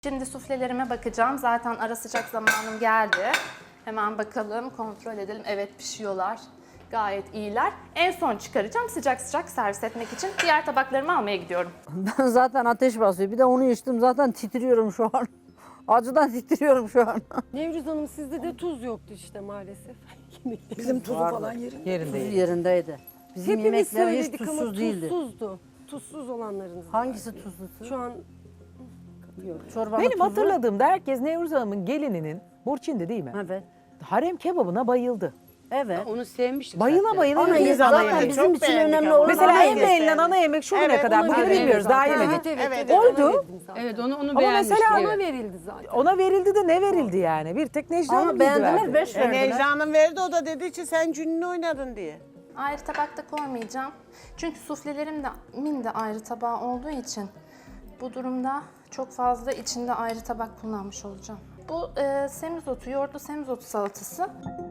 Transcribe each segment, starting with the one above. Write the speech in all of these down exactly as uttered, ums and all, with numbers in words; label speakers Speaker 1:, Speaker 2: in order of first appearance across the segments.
Speaker 1: Şimdi suflelerime bakacağım. Zaten ara sıcak zamanım geldi. Hemen bakalım, kontrol edelim. Evet, pişiyorlar. Gayet iyiler. En son çıkaracağım sıcak sıcak servis etmek için. Diğer tabaklarımı almaya gidiyorum.
Speaker 2: Ben zaten ateş basıyor. Bir de onu içtim, zaten titriyorum şu an. Acıdan titriyorum şu an.
Speaker 3: Nevruz Hanım, sizde de tuz yoktu işte maalesef.
Speaker 4: Bizim tuzu falan yerinde.
Speaker 2: Tuzu
Speaker 5: Yerinde.
Speaker 2: yerindeydi. Bizim
Speaker 3: Hepimiz
Speaker 2: yemekler hiç
Speaker 3: söyledik ama
Speaker 2: tuzsuz değildi.
Speaker 3: tuzsuzdu. Tuzsuz olanlarınız.
Speaker 2: Hangisi tuzlusu?
Speaker 3: Şu an
Speaker 2: Çorbanın
Speaker 5: Benim
Speaker 2: tuzu.
Speaker 5: hatırladığımda herkes Nevruz Hanım'ın gelininin, Burçin'di değil mi?
Speaker 2: Evet.
Speaker 5: Harem kebabına bayıldı.
Speaker 2: Evet.
Speaker 6: Onu sevmiştik
Speaker 5: Bayıla
Speaker 6: zaten.
Speaker 5: bayıla
Speaker 2: Ana
Speaker 5: yediniz
Speaker 2: yemek
Speaker 5: ana
Speaker 2: zaten
Speaker 5: yemek.
Speaker 2: bizim
Speaker 4: Çok
Speaker 2: için
Speaker 4: beğendik
Speaker 2: önemli
Speaker 4: ama.
Speaker 2: olan
Speaker 5: Mesela
Speaker 2: ana
Speaker 5: en
Speaker 2: yemek.
Speaker 5: beğenilen ana yemek şu güne
Speaker 4: Evet,
Speaker 5: kadar.
Speaker 3: ona
Speaker 5: Bugün
Speaker 3: verildi
Speaker 5: bilmiyoruz, daha
Speaker 3: zaten.
Speaker 5: yemedik.
Speaker 3: Evet, evet,
Speaker 4: Evet,
Speaker 3: evet,
Speaker 5: Oldu.
Speaker 3: ona verdim zaten.
Speaker 6: Evet onu, onu
Speaker 5: Ama
Speaker 6: beğenmiştik.
Speaker 5: mesela
Speaker 3: Ona
Speaker 6: evet.
Speaker 3: verildi zaten.
Speaker 5: Ona verildi de ne verildi yani? Bir tek Necla Hanım
Speaker 2: Ama
Speaker 5: bildi
Speaker 2: beğendiler,
Speaker 5: verdi.
Speaker 2: beş
Speaker 4: E,
Speaker 2: verdiler.
Speaker 4: Necla Hanım verdi, o da dedi ki sen cününü oynadın diye.
Speaker 1: Ayrı tabakta koymayacağım. Çünkü suflelerim de min de ayrı tabağı olduğu için bu durumda çok fazla içinde ayrı tabak kullanmış olacağım. Bu e, semizotu, yoğurtlu semizotu salatası.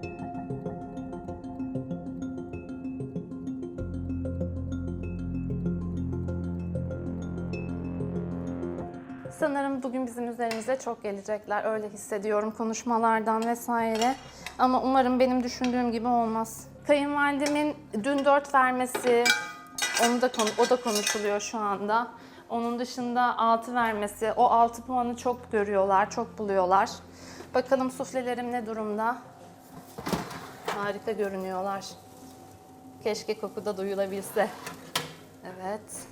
Speaker 1: Sanırım bugün bizim üzerimize çok gelecekler. Öyle hissediyorum konuşmalardan vesaire. Ama umarım benim düşündüğüm gibi olmaz. Kayınvalidemin dün dört vermesi, onu da konu, o da konuşuluyor şu anda. Onun dışında altı vermesi, o altı puanı çok görüyorlar, çok buluyorlar. Bakalım suflelerim ne durumda? Harika görünüyorlar. Keşke koku da duyulabilse. Evet.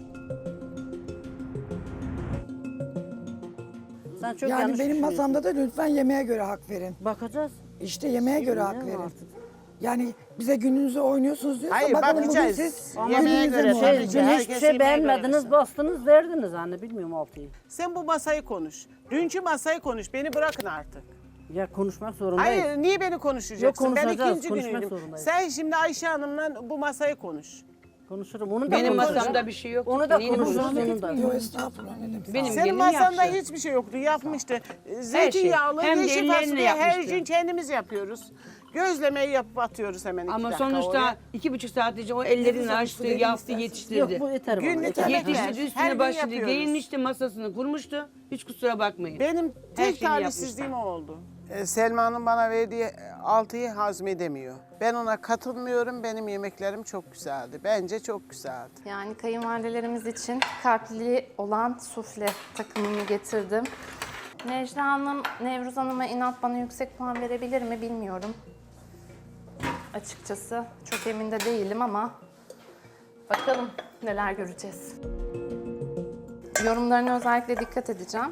Speaker 2: Sen çok
Speaker 4: Yani
Speaker 2: yanlış
Speaker 4: benim
Speaker 2: düşünüyorsun.
Speaker 4: masamda da lütfen yemeğe göre hak verin.
Speaker 2: Bakacağız.
Speaker 4: İşte yemeğe göre hak
Speaker 2: Bilmiyorum
Speaker 4: verin.
Speaker 2: artık.
Speaker 4: Yani bize gününüzü oynuyorsunuz diyorsa
Speaker 7: Hayır,
Speaker 4: bakalım bugün
Speaker 7: bakacağız.
Speaker 4: siz
Speaker 7: Yemeğe
Speaker 4: gününüze
Speaker 7: göre
Speaker 4: mi
Speaker 7: tabii
Speaker 4: oynuyorsunuz?
Speaker 7: ki.
Speaker 2: Şey, dün
Speaker 7: herkes
Speaker 2: hiçbir şey
Speaker 7: yemeğe göre
Speaker 2: beğenmediniz,
Speaker 7: versin.
Speaker 2: bastınız, verdiniz anne. Bilmiyorum altıyı.
Speaker 7: Sen bu masayı konuş. Dünkü masayı konuş. Beni bırakın artık.
Speaker 2: Ya konuşmak zorundayız.
Speaker 7: Hayır, niye beni konuşacaksın?
Speaker 2: Yok,
Speaker 7: Ben
Speaker 2: konuşacağız,
Speaker 7: ikinci
Speaker 2: konuşmak
Speaker 7: günüydüm.
Speaker 2: zorundayız.
Speaker 7: Sen şimdi Ayşe Hanım'la bu masayı konuş.
Speaker 2: Konuşurum. Onu da
Speaker 6: Benim
Speaker 2: konuşuruz.
Speaker 6: masamda bir şey yok.
Speaker 2: Onu da
Speaker 6: Neyini
Speaker 2: konuşuruz.
Speaker 6: konuşuyorsun?
Speaker 2: Onu da.
Speaker 4: Yok estağfurullah ne demek.
Speaker 6: Benim
Speaker 7: Senin
Speaker 6: gelinim
Speaker 7: masanda
Speaker 6: yaptı.
Speaker 7: hiçbir şey yoktu. Yapmıştı. Zeytinyağlı,
Speaker 6: Hem de
Speaker 7: yeşil
Speaker 6: ellerine
Speaker 7: fasulye her
Speaker 6: yapmıştı.
Speaker 7: gün kendimiz yapıyoruz. Gözlemeyi yapıp atıyoruz hemen iki
Speaker 6: Ama
Speaker 7: dakika
Speaker 6: sonuçta
Speaker 7: oraya.
Speaker 6: iki buçuk saat önce o ellerini açtı,
Speaker 4: verin
Speaker 6: yaptı,
Speaker 4: isterseniz.
Speaker 6: yetiştirdi.
Speaker 2: Yok bu yeter bana.
Speaker 7: Günlük
Speaker 2: yeter.
Speaker 7: yemek
Speaker 6: Yetiştirdi,
Speaker 7: Her gün
Speaker 6: üstüne başladı,
Speaker 7: yapıyoruz.
Speaker 6: giyinmişti, masasını kurmuştu. Hiç kusura bakmayın.
Speaker 7: Benim
Speaker 6: Her
Speaker 7: tek
Speaker 6: şeyini
Speaker 7: talihsizliğim o oldu. Ee, Selma'nın bana verdiği altıyı hazmedemiyor. Ben ona katılmıyorum. Benim yemeklerim çok güzeldi. Bence çok güzeldi.
Speaker 1: Yani kayınvalidelerimiz için kalpli olan sufle takımını getirdim. Necla Hanım, Nevruz Hanım'a inat bana yüksek puan verebilir mi bilmiyorum. Açıkçası çok emin de değilim ama bakalım neler göreceğiz. Yorumlarına özellikle dikkat edeceğim.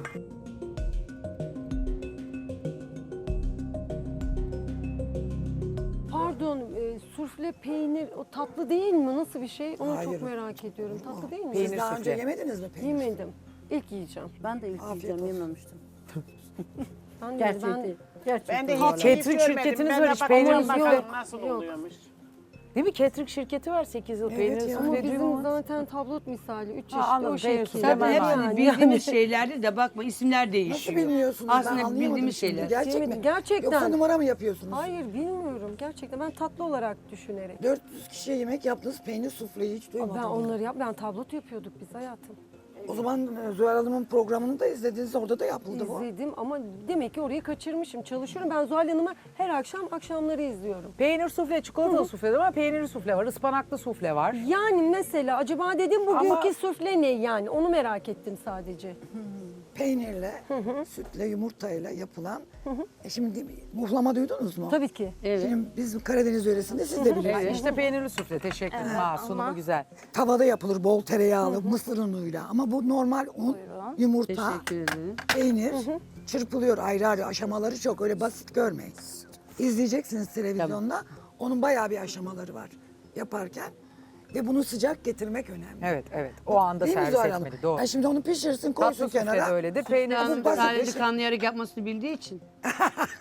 Speaker 3: Pardon, e, sufle peynir o tatlı değil mi? Nasıl bir şey? Onu
Speaker 4: Hayır.
Speaker 3: çok merak ediyorum. Tatlı değil mi?
Speaker 5: Peynir
Speaker 4: Siz daha önce
Speaker 5: sufle.
Speaker 4: yemediniz mi peynir?
Speaker 3: Yemedim. İlk yiyeceğim.
Speaker 2: Ben de ilk
Speaker 4: Afiyet
Speaker 2: yiyeceğim,
Speaker 4: olsun.
Speaker 2: yememiştim.
Speaker 3: Ben de
Speaker 2: Gerçek
Speaker 3: ben
Speaker 2: değil. Gerçek
Speaker 7: Ben de
Speaker 2: değil.
Speaker 7: hiç
Speaker 5: Catering
Speaker 7: hiç görmedim.
Speaker 5: şirketiniz
Speaker 7: Ben
Speaker 5: var,
Speaker 7: de
Speaker 5: hiç
Speaker 7: bakacağım
Speaker 5: peyniriniz
Speaker 7: bakalım
Speaker 3: yok.
Speaker 7: nasıl
Speaker 3: Yok.
Speaker 7: oluyormuş.
Speaker 5: Değil mi? Catering şirketi var sekiz yıl
Speaker 4: Evet
Speaker 5: peynir
Speaker 4: ya.
Speaker 5: sufle
Speaker 3: ama
Speaker 5: diyor
Speaker 3: bizim
Speaker 5: ama.
Speaker 3: zaten tablot misali üç çeşitli
Speaker 5: anladım,
Speaker 3: o
Speaker 5: peynir
Speaker 3: şekilde.
Speaker 5: sufle.
Speaker 6: Zaten
Speaker 5: Hemen
Speaker 6: hepsini
Speaker 3: yani.
Speaker 6: bildiğimiz şeylerdi de bakma isimler
Speaker 4: Nasıl
Speaker 6: değişiyor.
Speaker 4: bilmiyorsunuz? ben
Speaker 6: Aslında
Speaker 4: anlayamadım
Speaker 6: bildiğimiz
Speaker 4: şimdi.
Speaker 6: şeyler.
Speaker 4: Gerçek mi?
Speaker 3: Yemedim, gerçekten.
Speaker 4: Yoksa numara mı yapıyorsunuz?
Speaker 3: Hayır bilmiyorum gerçekten ben tatlı olarak düşünerek.
Speaker 4: dört yüz kişiye yemek yaptınız, peynir sufleyi hiç duymadım.
Speaker 3: Ben onları yap ben tablot yapıyorduk biz hayatım.
Speaker 4: O zaman e, Zuhal Hanım'ın programını da izlediniz, orada da yapıldı bu.
Speaker 3: İzledim ama demek ki orayı kaçırmışım. Çalışıyorum. Ben Zuhal Hanım'ı her akşam akşamları izliyorum.
Speaker 5: Peynir sufle, çikolatalı sufle de var, peynirli sufle var, ıspanaklı sufle var.
Speaker 3: Yani mesela acaba dedim bugünkü
Speaker 5: Ama-
Speaker 3: sufle ne yani? Onu merak ettim sadece.
Speaker 4: Peynirle, sütle, yumurtayla yapılan. E şimdi muhlama duydunuz mu?
Speaker 3: Tabii ki.
Speaker 4: Şimdi biz Karadeniz yöresinde siz de bilirsiniz.
Speaker 5: Evet, işte peynirli sufle, teşekkür ederim. Ha, sunumu
Speaker 1: ama-
Speaker 5: güzel.
Speaker 4: Tavada yapılır bol tereyağlı, mısır unuyla. Ama bu normal un, yumurta,
Speaker 6: Teşekkür ederim.
Speaker 4: peynir çırpılıyor ayrı ayrı. Aşamaları çok, öyle basit görmeyin. İzleyeceksiniz televizyonda. Onun bayağı bir aşamaları var yaparken. Ve bunu sıcak getirmek önemli.
Speaker 5: Evet, evet. O anda
Speaker 4: Değil mi
Speaker 5: servis
Speaker 4: Zuhal Hanım?
Speaker 5: etmeli, doğru.
Speaker 4: Yani şimdi onu pişirsin, koysun
Speaker 5: Tatlı sufle de
Speaker 4: kenara.
Speaker 5: öyledir. Peynirli
Speaker 4: Ama
Speaker 6: Yani
Speaker 4: basit bir
Speaker 6: sadece
Speaker 4: şey.
Speaker 6: kanlayarak yapmasını bildiği için.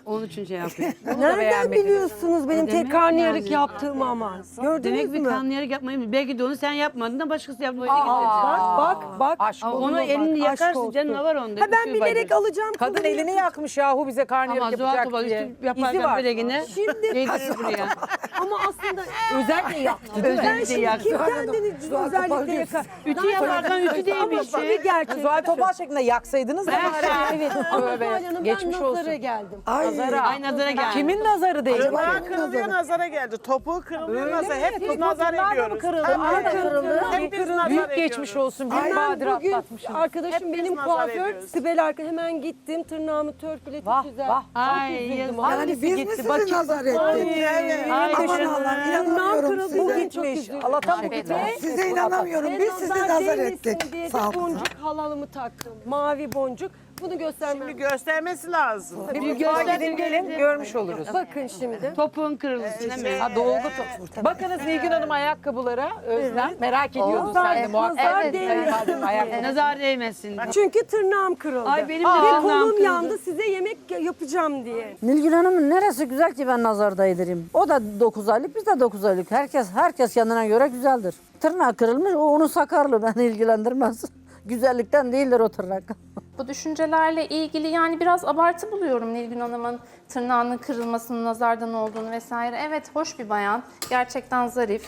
Speaker 6: Onun için şey yapıyor.
Speaker 3: Nereden
Speaker 5: beğenmediniz.
Speaker 3: biliyorsunuz benim
Speaker 6: Demek
Speaker 3: tek karnıyarık
Speaker 6: yani.
Speaker 3: yaptığımı ama? Gördünüz
Speaker 6: Demek bir
Speaker 3: mü?
Speaker 6: karnıyarık yapmayı belki de onu sen yapmadın da başkası yaptı.
Speaker 3: Bak bak bak.
Speaker 5: Aşk
Speaker 6: Ama
Speaker 5: olsun.
Speaker 6: onu
Speaker 3: Bak,
Speaker 6: elini
Speaker 3: aşk
Speaker 6: yakarsın
Speaker 3: olsun.
Speaker 6: canına var onda.
Speaker 3: Ha ben
Speaker 6: Üstü
Speaker 3: bilerek
Speaker 6: bacı.
Speaker 3: alacağım.
Speaker 5: Kadın
Speaker 3: kızım.
Speaker 5: elini yakmış yahu bize karnıyarık
Speaker 6: Ama Zuhal
Speaker 5: yapacak
Speaker 6: Topal
Speaker 5: diye.
Speaker 6: üstü
Speaker 5: İzi
Speaker 6: yaparken
Speaker 5: var.
Speaker 6: böyle yine
Speaker 3: Şimdi
Speaker 6: yedirir buraya.
Speaker 3: ama aslında özellikle yaktı.
Speaker 6: Özellikle
Speaker 3: Ben şimdi
Speaker 6: yaktı.
Speaker 3: kim kendini
Speaker 4: Zuhal Topal
Speaker 3: özellikle
Speaker 4: diyorsun.
Speaker 3: yakar?
Speaker 6: Ütü yaparken ütü değil bir
Speaker 3: Ama
Speaker 6: şey.
Speaker 3: tabii gerçek.
Speaker 5: Zuhal Topal şeklinde yaksaydınız da bari.
Speaker 3: Evet ama
Speaker 5: Tövbe,
Speaker 3: Zuhal Hanım ben
Speaker 5: geçmiş
Speaker 3: nazara
Speaker 5: olsun.
Speaker 3: geldim.
Speaker 4: Ay,
Speaker 6: Ay nazara geldi.
Speaker 5: Kimin nazarı değil?
Speaker 7: Tırnağı kırılıyor nazara geldi. Topuğu kırılıyor nazara. Hep biz nazar
Speaker 5: Tırnağı da mı
Speaker 7: ediyoruz.
Speaker 5: kırıldı?
Speaker 7: Tabii.
Speaker 5: Arada kırıldı.
Speaker 7: Hep biz nazar
Speaker 5: Büyük
Speaker 7: ediyoruz.
Speaker 5: geçmiş olsun. Bir
Speaker 3: Hemen
Speaker 5: badire
Speaker 3: bugün
Speaker 5: atlatmışsınız.
Speaker 3: arkadaşım
Speaker 7: Hep biz
Speaker 3: benim
Speaker 7: nazar
Speaker 3: kuaför
Speaker 7: ediyoruz.
Speaker 3: Sibel arka hemen gittim tırnağımı törpületip
Speaker 5: Vah,
Speaker 3: güzel.
Speaker 5: vah.
Speaker 6: Ay,
Speaker 3: Çok üzüldüm.
Speaker 6: yazık.
Speaker 3: Hangisi
Speaker 4: Yani biz mi
Speaker 3: gitti?
Speaker 4: sizi
Speaker 3: Bakayım.
Speaker 4: nazar ettik?
Speaker 7: Evet.
Speaker 6: Ay,
Speaker 4: Aman
Speaker 6: teşekkür
Speaker 4: Allah'ım
Speaker 6: ederim.
Speaker 4: inanamıyorum
Speaker 3: kırıldı,
Speaker 4: size.
Speaker 3: bugün çok
Speaker 5: Gitmiş.
Speaker 3: üzüldüm.
Speaker 5: Allah'tan mı
Speaker 1: Teşekkür
Speaker 5: gitti?
Speaker 1: ederim.
Speaker 4: Size inanamıyorum.
Speaker 3: Ben
Speaker 4: Biz sizi
Speaker 3: nazar
Speaker 4: nazar
Speaker 3: değmesin
Speaker 4: ettik.
Speaker 3: diye de
Speaker 4: Sağ olun.
Speaker 3: boncuk halalımı taktım. Mavi boncuk. Bunu göstermem.
Speaker 7: Şimdi göstermesi lazım.
Speaker 5: Bir mutfağa gidin gelin görmüş oluruz.
Speaker 3: Bakın şimdi.
Speaker 6: Topuğun kırıldı değil mi?
Speaker 5: Ha, dolgu top. Bakınız Nilgün Hanım ayakkabılara Özlem. Merak ediyordun
Speaker 3: Nazar-
Speaker 5: sen de muhakkak.
Speaker 3: nazar
Speaker 5: Evet,
Speaker 3: değmesin.
Speaker 5: kayınvalidenin ayakkabı.
Speaker 6: Nazar değmesin.
Speaker 3: Çünkü tırnağım kırıldı.
Speaker 6: Ay, benim de
Speaker 3: Ve
Speaker 6: tırnağım
Speaker 3: kolum
Speaker 6: kırıldı.
Speaker 3: yandı size yemek yapacağım diye.
Speaker 2: Nilgün Hanım'ın neresi güzel ki ben nazar değdireyim. O da dokuz aylık, biz de dokuz aylık. Herkes herkes kendine göre güzeldir. Tırnağı kırılmış, o onun sakarlığı beni ilgilendirmez. Güzellikten değildir o tırnak.
Speaker 1: Bu düşüncelerle ilgili yani biraz abartı buluyorum Nilgün Hanım'ın tırnağının kırılmasının nazardan olduğunu vesaire. Evet, hoş bir bayan. Gerçekten zarif.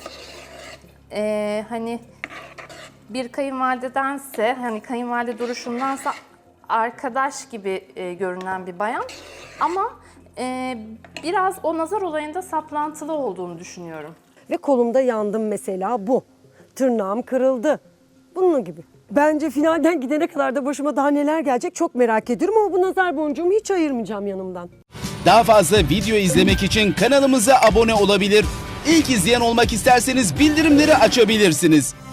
Speaker 1: Ee, hani bir kayınvalidedense, hani kayınvalide duruşundansa arkadaş gibi e, görünen bir bayan. Ama e, biraz o nazar olayında saplantılı olduğunu düşünüyorum.
Speaker 3: Ve kolumda yandım mesela bu. Tırnağım kırıldı. Bunun gibi. Bence finalden gidene kadar da başıma daha neler gelecek çok merak ediyorum ama bu nazar boncuğumu hiç ayırmayacağım yanımdan.
Speaker 8: Daha fazla video izlemek için kanalımıza abone olabilir. İlk izleyen olmak isterseniz bildirimleri açabilirsiniz.